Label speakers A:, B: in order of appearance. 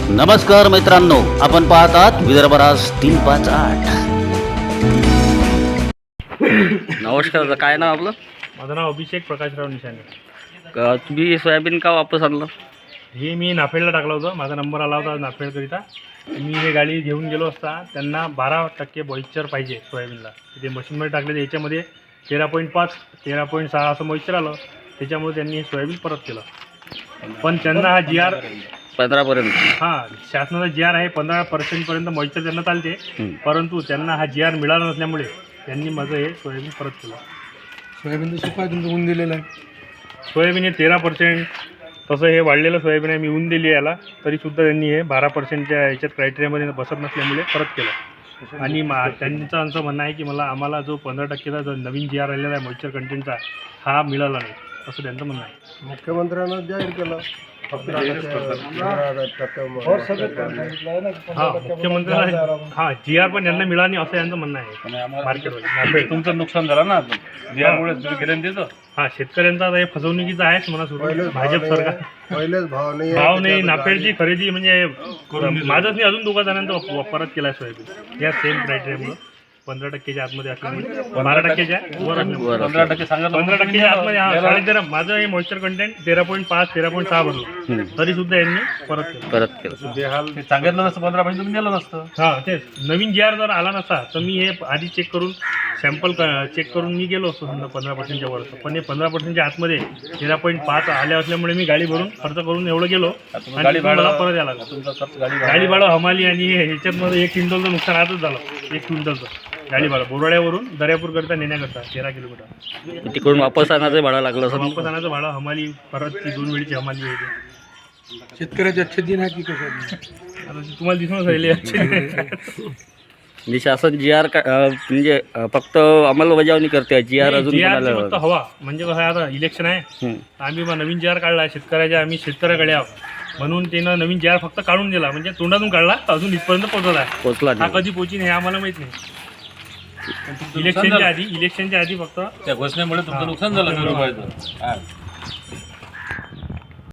A: नमस्कार मित्रांनो, आपण पाहतात विदर्भराज 358. नमस्कार, काय नाव आपलं?
B: माझं नाव अभिषेक प्रकाशराव निशाने.
A: तुम्ही सोयाबीन का वापस आणलं?
B: हे मी नाफेडला टाकलं होतं, माझा नंबर आला होता नाफेडकरिता. मी हे गाडी घेऊन गेलो असता त्यांना 12% मॉइश्चर पाहिजे सोयाबीनला. ते मशीनमध्ये टाकले तर याच्यामध्ये 13.5 13.6 असं मॉइश्चर आलं. त्याच्यामुळे त्यांनी हे सोयाबीन परत केलं. पण त्यांना हा GR
A: 15पर्यंत.
B: हां, शासनाचा GR आहे 15% मॉइश्चर त्यांना चालते. परंतु त्यांना हा GR मिळाला नसल्यामुळे त्यांनी माझं हे सोयाबीन परत केलं.
C: सोयाबीन तर सुका तुमचं ऊन दिलेलं आहे.
B: सोयाबीन हे 13%, तसं हे वाढलेलं सोयाबीन आहे, मी ऊन दिली याला, तरीसुद्धा त्यांनी हे 12%च्या याच्यात क्रायटेरियामध्ये बसत नसल्यामुळे परत केलं. आणि त्यांचं असं म्हणणं आहे की आम्हाला जो 15%चा जो नवीन GR आलेला आहे मॉइश्चर कंटेंटचा, हा मिळाला नाही, असं त्यांचं म्हणणं आहे.
C: मुख्यमंत्र्यांना जाहीर केलं
B: हां, मुख्यमंत्र्यांना हां GR पण यांना मिळाला नाही असं यांचं म्हणणं आहे. मार्केटमध्ये
D: तुमचं नुकसान झालं ना यामुळे तुम्ही गेलं त्याचं.
B: हां, शेतकऱ्यांचा आता हे फसवणुकीचं आहेच म्हणा सुरू. भाजप सरकार
C: पहिलेच
B: भाव नाही, नाफेडची खरेदी म्हणजे माझंच नाही, अजून दोघा जणांचा परत केला सोयाबीन या सेम क्रायटेरियामुळे. 15%च्या आतमध्ये असल्यामुळे 12%च्या वर असल्यामुळे
D: 15% सांगा.
B: 15%च्या आतमध्ये हा 13.5 माझं हे मॉइश्चर कंटेंट 13.5 13.6 भरलं, तरी सुद्धा यांनी परत केलं.
D: ते सांगितलं नसतं 15% तुम्ही नेलं नसतं.
B: हां, तेच नवीन GR जर आला नसता तर मी हे आधी चेक करून सॅम्पल चेक करून मी गेलो असतो समजा 15%च्या वर. पण हे 15%च्या आतमध्ये 13.5 आल्या असल्यामुळे मी गाडी भरून खर्च करून एवढं गेलो आणि
D: गाडी
B: मला परत यायला लागलं.
D: तुमचा खर्च
B: गाडी भाडं हमाली आणि ह्याच्यातमध्ये 1 क्विंटलचं नुकसान आजच झालं. 1 क्विंटलचं गाडी भाडं बोराड्यावरून दर्यापूरकरिता नेण्याकरता 13 किलोमीटर.
A: तिकडून वापस आणायचं भाडं लागलं असं.
B: वापस आणायचं भाडं हमाली, परत ती 2 वेळची हमाली आहे.
C: शेतकऱ्याचे अच्छे दिन आहे की कसं?
B: आता ती तुम्हाला दिसूनच राहिली.
A: म्हणजे शासन GR म्हणजे फक्त अंमलबजावणी करते, GR अजून
B: GR
A: कोणाला-
B: फक्त हवा म्हणजे कसं आहे, आता इलेक्शन आहे, आम्ही नवीन GR काढला आहे शेतकऱ्याच्या, आम्ही शेतकऱ्याकडे आहोत म्हणून त्यानं नवीन GR फक्त काढून दिला, म्हणजे तोंडातून काढला, अजून इथपर्यंत पोहोचला आहे.
A: पोचला
B: हा
A: नाही.
B: कधी पोहोचीन हे आम्हाला माहित नाही. इलेक्शनच्या आधी फक्त
D: त्या घोषणेमुळे तुमचं नुकसान झालं.